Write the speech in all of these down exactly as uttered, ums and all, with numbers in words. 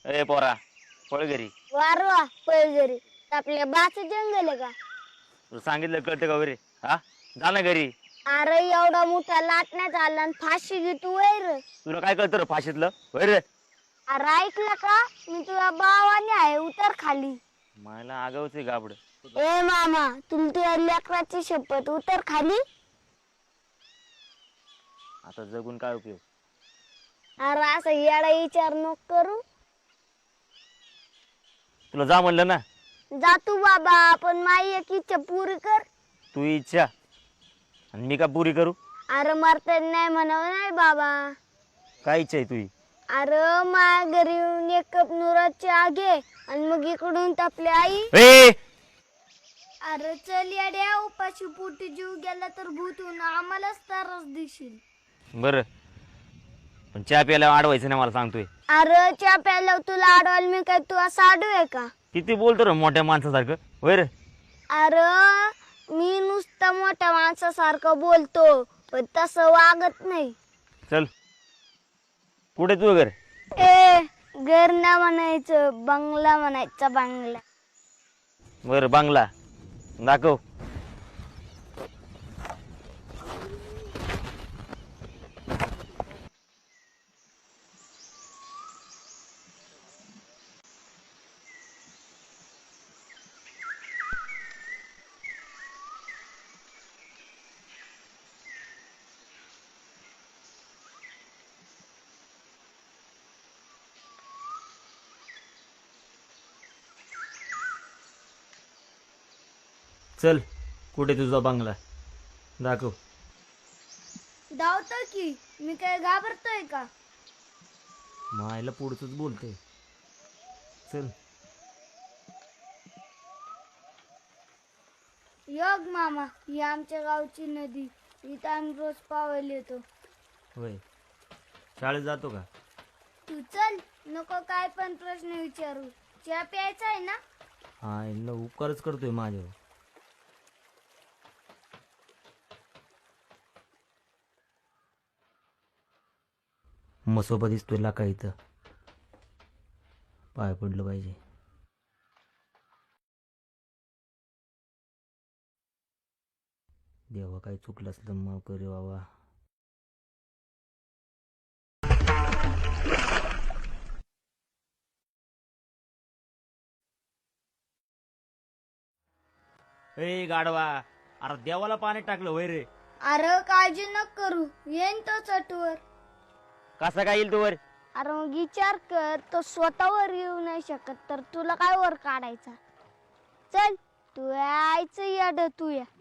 ए पोरा पळ घरी. वारवा पैजरी आपल्या बाच जंगल आहे का? तुला सांगितलं कळतं का वगैरे? हा जा ना घरी. अरे एवढा मोठा लाटण्यात आला आणि फाशी घेतो वैर. तुला काय कळतं रे फाशीतलं वैर? अरे ऐकलं का? मी तुझ्या भावाने आहे उतर खाली. मला आगावच आहे गाबड. ए मामा तुला तुझ्या लेकराची शपथ उतर खाली. आता जगून काय उपयोग? अरे असं येडा विचार नको करू. तुला जा म्हणलं ना. जा तू बाबा पण माझी एक इच्छा पुरी कर. तू इच्छा आणि मी का पुरी करू? अरे मरता नाही म्हणावं नाही बाबा. काय इच्छा आहे तुझी? अरे माझ्या घरी येऊन एक कप नुराची आगे आणि मग इकडून आपली आई. ए अरे चल येड्या उपाशी पोटी जीव गेला तर भूतून आम्हालाच त्रास देशील. बर पण चहा प्यायला अडवायचं नाही मला सांगतोय. अरे चहा प्यायला तुला अडवायला मी काय तू असं आडू आहे का? किती बोलतो रे मोठ्या माणसासारखं वैर? अरे मी नुसतं मोठ्या माणसासारखं बोलतो पण तसं वागत नाही. चल कुठे तू घर? ए घर ना म्हणायचं बंगला म्हणायचा बंगला. बर बांगला दाखव. चल कुठे तुझा बंगला दाखव. धावतो की मी काय घाबरतोय का? मायला पुढचंच बोलते. चल योग मामा ही आमच्या गावची नदी इथं आम्ही रोज पावायला येतो. होय शाळेत जातो का? तू चल नको काय पण प्रश्न विचारू. चहा प्यायचा आहे ना? हा यांना उपकारच करतोय माझ्यावर. मसोबा दिसतोय लाका इथं पाय पडलं पाहिजे. देवा काही चुकलं असलं माफ करे बाबा. ए गाडवा अरे देवाला पाणी टाकलं वय रे. अरे काळजी नको करू येईन तो चटवर. कसा काय येईल तू वर? अरे मग विचार कर तो स्वतःवर येऊ नाही शकत तर तुला काय वर काढायचा. चल तू यायचं याड तू या.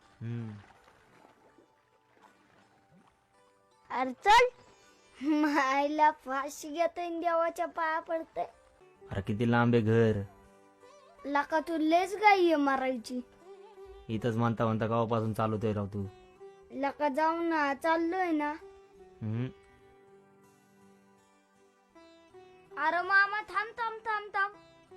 अरे चल मायला फाशी घेतोय देवाच्या पाया पडते. अरे किती लांब आहे घर. लका तू लेच गाई मारायची. इथंच म्हणता म्हणता गावापासून चालवतोय राव तू. लका जाऊ ना चाललोय ना. हम्म अरे मामा थांब थांब थांब थांब.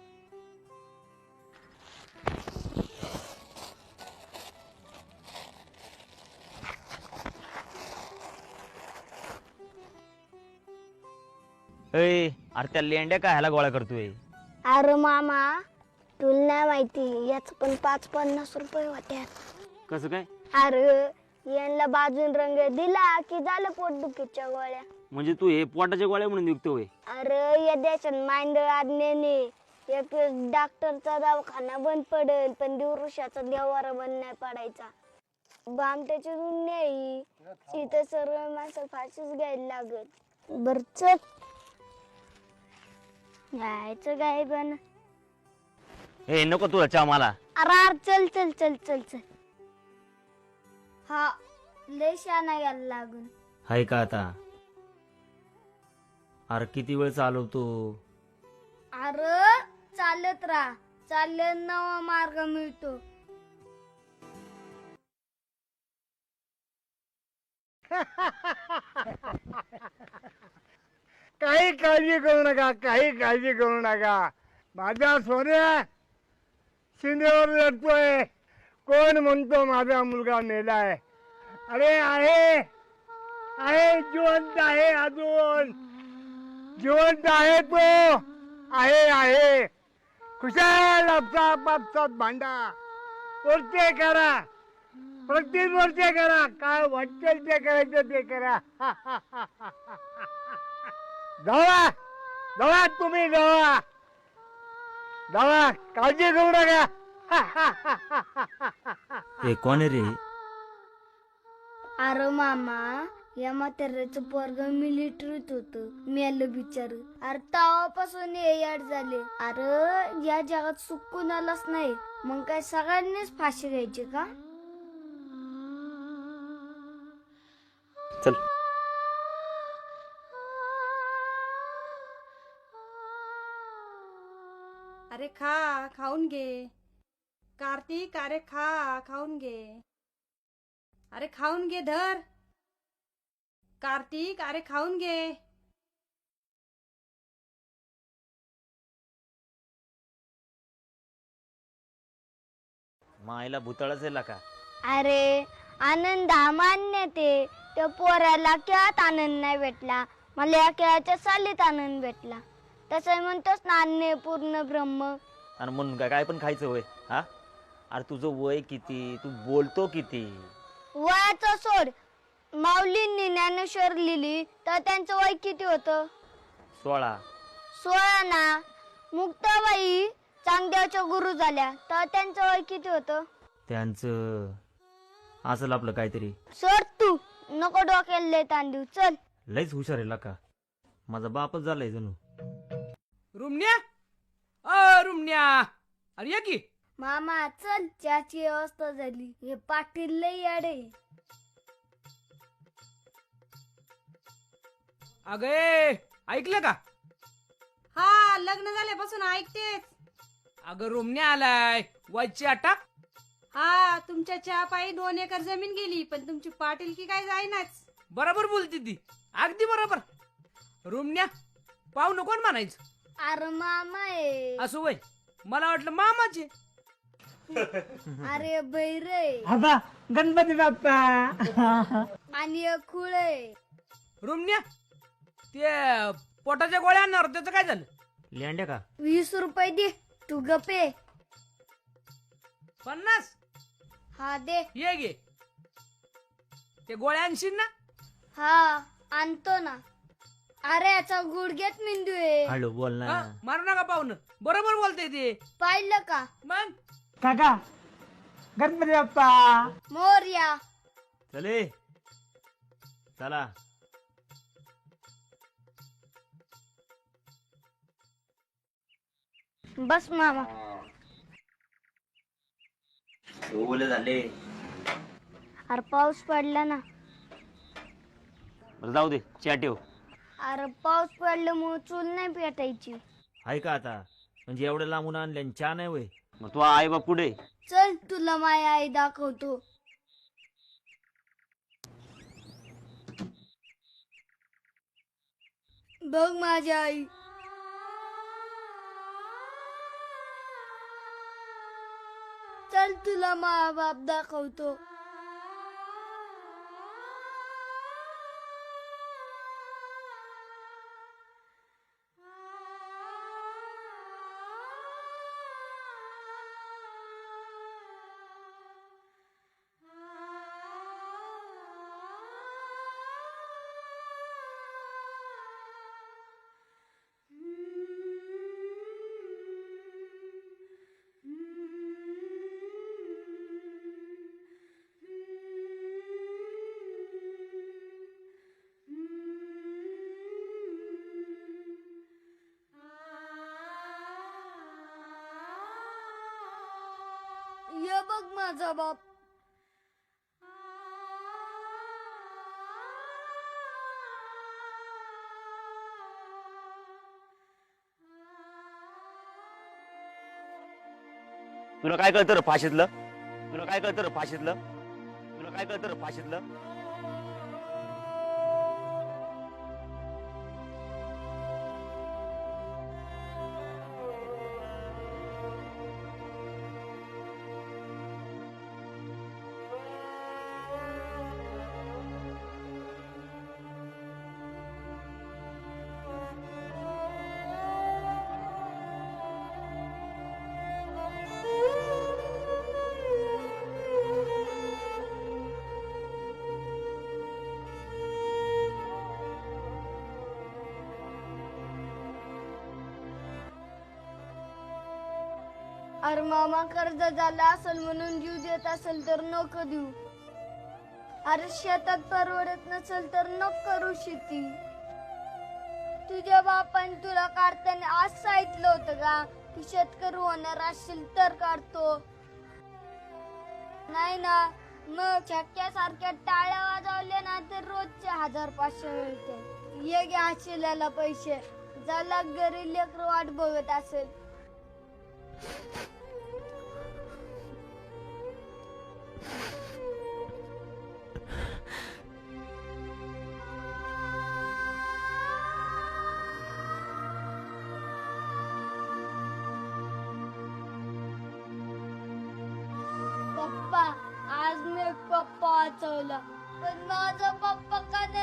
ए अरे त्या लेंड्या काय ह्याला गोळा करतोय? अरे मामा तुला नाही माहिती याच पण पाच पन्नास रुपये होत्या. कसं काय? अरे यांना बाजून रंग दिला की झालं पोटदुखीच्या गोळ्या. म्हणजे तू हे पोटाच्या गोळ्या म्हणून विकतोय? अरे या देशात मांडळ आज्ञेने एक डॉक्टरचा दवाखाना बंद पडेल पण दिवृषाचा देवारा बंद नाही पडायचा. बामट्याची दुनिया तिथे सर्व माणसं फाशीच घ्यायला लागत. बर चल जायचं काय पण. ए नको तुला चहा मला. अरे चल चल चल चल चल. हा लय शाना यायला लागून. हाय का आता? अरे किती वेळ चालवतो? अरे चालत राहा चालत नवा मार्ग मिळतो. काही काळजी करू नका काही काळजी करू नका. माझा सोन्या शिंदेवर लढतोय. कोण म्हणतो माझा मुलगा मेलाय? अरे आहे आहे जिवंत आहे अजून जिवंत आहे तो. आहे आहे खुशाल आपसात आपसात भांडा वरचे करा प्रत्येक वरचे करा काय वाटेल ते करायचं ते करा जावा जावा तुम्ही जावा जावा काळजी करू नका हे कोण आहे रे? अरे मामा या म्हाताऱ्याचं पोरग मिलिटरीत होत मेलं बिचार. अरे तेव्हापासून हे याड झाले. अरे या जगात सुख कुणालाच नाही, मग काय सगळ्यांनीच फाशी घ्यायची का? चल अरे खा, खाऊन घे. कार्तिक अरे खा, खाऊन घे. अरे खाऊन घे धर. कार्तिक अरे खाऊन घे. मायला भूतळच आहे का? अरे आनंद हा मान्य ते त्या पोराला खेळात आनंद नाही भेटला, मला या खेळाच्या सालीत आनंद भेटला. तसं म्हणतोस ना अन्य पूर्ण ब्रह्म. आणि म्हणून काय काय पण खायचं होय? हा अरे तुझं वय किती, तू बोलतो किती? वयाचं सोड, माऊलींनी ज्ञानेश्वर लिहिली तर त्यांचं वय किती होतं? सोळा. सोळा ना. मुक्ताबाई चांगदेवच्या गुरु झाल्या तर त्यांचं वय किती होतं? त्यांचं असेल आपलं काहीतरी. सोड तू, नको डोक्याला लय ताण देऊ. चल. लयच हुशार आहे का? माझा बापच झालाय जणू. रुमण्या अ रुमण्या अरे ये की. मामा चल, चहाची व्यवस्था झाली. हे पाटील लय याडे. अगे ऐकलं का? हा लग्न झाल्यापासून ऐकतेच. अगं रुमण्या आलाय वरची अटक. हा तुमच्या चहा पायी दोन एकर जमीन गेली, पण तुमची पाटीलकी काय जाईनाच. बरोबर बोलती ती, अगदी बरोबर. रुमण्या पाहू नको म्हणायचं. अरे मामा आहे. असं वय मला वाटलं मामाचे. अरे बैरे आता गणपती बाप्पा आणि एक खुळ आहे. रुमण्या ते पोटाच्या गोळ्या आणणार त्याचं काय झालं? लेंड्या का? वीस रुपये दे, तू गपे. पन्नास हा दे. ये गे. ते गोळ्या आणशील ना? हा आणतो ना. अरे याचा गुडघ्यात मेंदू आहे. हळू बोल ना. हा, मारू नका पाहुणं, बरोबर बोलतय ते. पाहिलं का? मग काका गणपती बाप्पा मोरया. चले चला. बस मामा. ओले झाले. अरे पाऊस पडला ना. बरं जाऊ दे, चहा ठेव. अरे पाऊस पडल्यामुळे चूल नाही पेटायची. आहे का आता? म्हणजे एवढं लांबून आणल्या चहा नाही वय? मग तू आई बाप पुढे. चल तुला माझी आई दाखवतो. बघ माझी आई. चल तुला मा बाप दाखवतो. ये बघ माझा बाप. तुला काय कळतं रे फाशीतलं? तुला काय कळतं रे फाशीतलं? तुला काय कळतं रे फाशीतलं? अरे मामा कर्ज झाला असेल म्हणून जीव देत असेल तर नको देऊ. अरे शेतात परवडत नसेल तर नको करू शेती. तुझ्या बापाने तुला काढताना आज सांगितलं होतं का की शेतकरी होणार असेल तर काढतो, नाही ना? मग छक्क्यासारख्या टाळ्या वाजवल्या ना तर रोजचे हजार पाचशे मिळते. ये घ्या शिल्याला पैसे, ज्याला घरी लेकरं वाट बघत असेल. पप्पा, आज मी पप्पा वाचवला, पण माझा पप्पा का नाही